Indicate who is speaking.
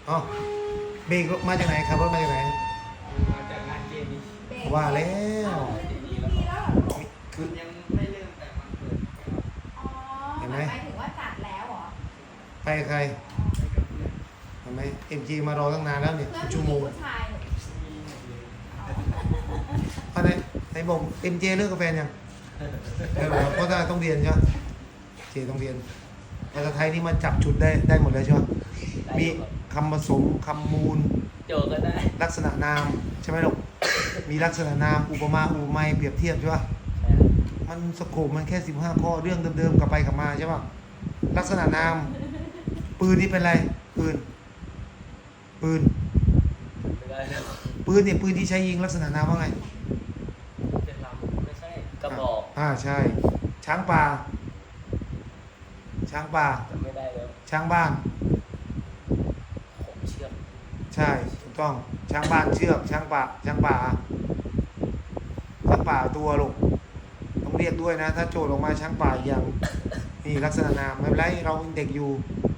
Speaker 1: อ๋อเบรกมาจากไหนครับรถมาจากไหน
Speaker 2: มาจากงานเจดี
Speaker 3: เบรก
Speaker 1: ว่าแล้ว
Speaker 3: ดีแล้วเหรอลูก
Speaker 1: คือ
Speaker 2: ยังไม่เริ่มแต่มันเปิด
Speaker 3: อ๋อหมายถึงว่าจัดแล้วเหรอ
Speaker 1: ไปกับใคร
Speaker 2: ไปกับเพื่อน
Speaker 1: ทำไมเอ็มจีมารอตั้งนานแล้วเนี่ย
Speaker 3: เพื่อน
Speaker 1: ชั่วโมง
Speaker 3: ผู้ชายเหรอ
Speaker 2: มีหมดเลย
Speaker 1: อะไรไหนบอกเอ็มเจเลิกกับแฟนยังเลิกแล้วเพราะว่าต้องเรียนใช่ไหมเจต้องเรียนภาษาไทยนี่มันจับจุดได้หมดเลยใช่ไหมมีคำผสมคำมูล
Speaker 2: โจก็ได้
Speaker 1: ลักษณะนามใช่ไหมลูกมีลักษณะนามอุปมาอุปไมยเปรียบเทียบใช่ปะมันสโคปมันแค่15ข้อเรื่องเดิมๆกลับไปกลับมาใช่ปะลักษณะนามปืนนี่เป็นอะไรปืน
Speaker 2: ไม่ได้แล้ว
Speaker 1: ปืนเนี่ยปืนที่ใช้ยิงลักษณะนามว่าไง
Speaker 2: เป็นลำไม่ใช่กระบอก
Speaker 1: ใช่ช้างป่าช้างป่า
Speaker 2: จำไม่ได้แล้ว
Speaker 1: ช้างบ้าน
Speaker 2: ผมเชื่อม
Speaker 1: ใช่ถูกต้องช้างบ้านเชือกช้างป่าช้างป่าช้างป่าตัวลูกต้องเรียกด้วยนะ ถ้าโจทย์ออกมาช้างป่าอย่างนี่ลักษณะนามไม่เป็นไรเรายังเด็กอยู่